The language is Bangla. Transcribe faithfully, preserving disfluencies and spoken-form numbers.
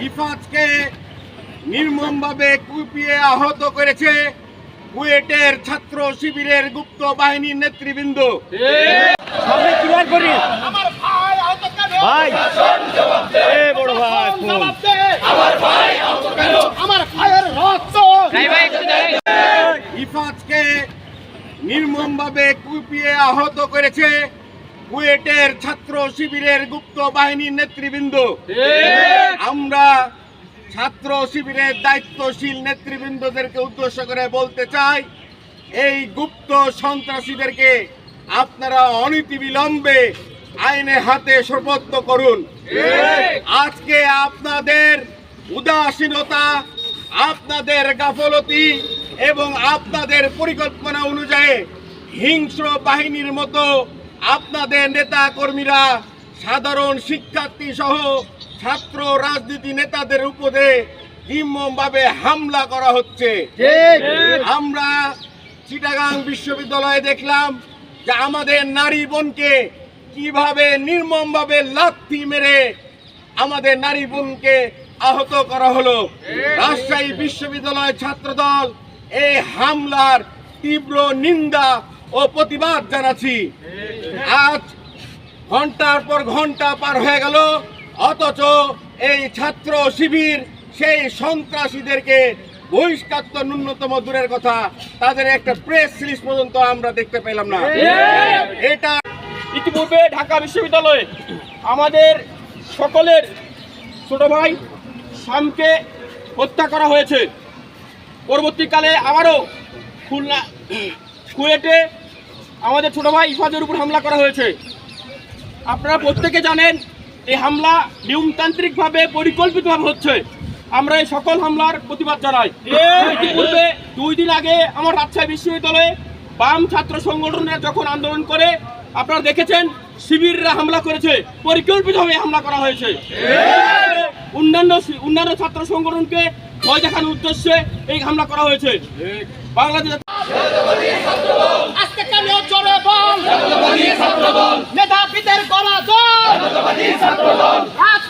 ইফাজকে নির্মমভাবে কুপিয়ে আহত করেছে কুয়েটের ছাত্র শিবিরের গুপ্ত বাহিনীর নেতৃবৃন্দ। সামনে ক্লিয়ার করি আমার ভাই আহত কেন? ভাই এ বড় ভাই জবাব দে। আমার ভাই আহত কেন? আমার ভাইয়ের রক্ত। ইফাজকে নির্মমভাবে কুপিয়ে আহত করেছে কুয়েটের ছাত্র শিবিরের গুপ্ত বাহিনীর নেতৃবৃন্দ। আমরা ছাত্র শিবিরের দায়িত্বশীল নেতৃবৃন্দদেরকে উদ্দেশ্য করে বলতে চাই, এই গুপ্ত সন্ত্রাসীদেরকে আপনারা অনতিবিলম্বে আইনে হাতে সোপর্দ করুন। আজকে আপনাদের উদাসীনতা, আপনাদের গাফলতি এবং আপনাদের পরিকল্পনা অনুযায়ী হিংস্র বাহিনীর মতো আপনাদের নেতা কর্মীরা সাধারণ শিক্ষার্থী সহ ছাত্র রাজনীতি নেতাদের উপরে নির্মমভাবে হামলা করা হচ্ছে। আমরা চিটাগাং বিশ্ববিদ্যালয়ে দেখলাম যে আমাদের নারী বোনকে কিভাবে নির্মমভাবে লাথি মেরে আমাদের নারী বোনকে আহত করা হলো। রাজশাহী বিশ্ববিদ্যালয় ছাত্রদল এই হামলার তীব্র নিন্দা ও প্রতিবাদ জানাচ্ছি। আজ ঘন্টার পর ঘন্টা পার হয়ে গেল, অথচ এই ছাত্র শিবির সেই সন্ত্রাসীদেরকে বহিষ্কার তো ন্যূনতম দূরের কথা, তাদের একটা প্রেস রিলিজ পর্যন্ত আমরা দেখতে পেলাম না। এটা ইতিপূর্বে ঢাকা বিশ্ববিদ্যালয়ে আমাদের সকলের ছোট ভাই শামকে হত্যা করা হয়েছে। পরবর্তীকালে আবারও খুলনা কুয়েটে আমাদের ছোট ভাই ইফাজের উপর হামলা করা হয়েছে। আপনারা প্রত্যেকে জানেন এই হামলা নিয়মতান্ত্রিকভাবে পরিকল্পিতভাবে হচ্ছে। আমরা এই সকল হামলার প্রতিবাদ জানাই। ইতিপূর্বে দুই দিন আগে আমার রাজশাহী বিশ্ববিদ্যালয়ে বাম ছাত্র সংগঠনরা যখন আন্দোলন করে আপনারা দেখেছেন শিবিররা হামলা করেছে, পরিকল্পিতভাবে হামলা করা হয়েছে। অন্যান্য অন্যান্য ছাত্র সংগঠনকে ভয় দেখানোর উদ্দেশ্যে এই হামলা করা হয়েছে। বাংলাদেশ আজকে কেন জোরে বল? নেতাপীদের গলা দল।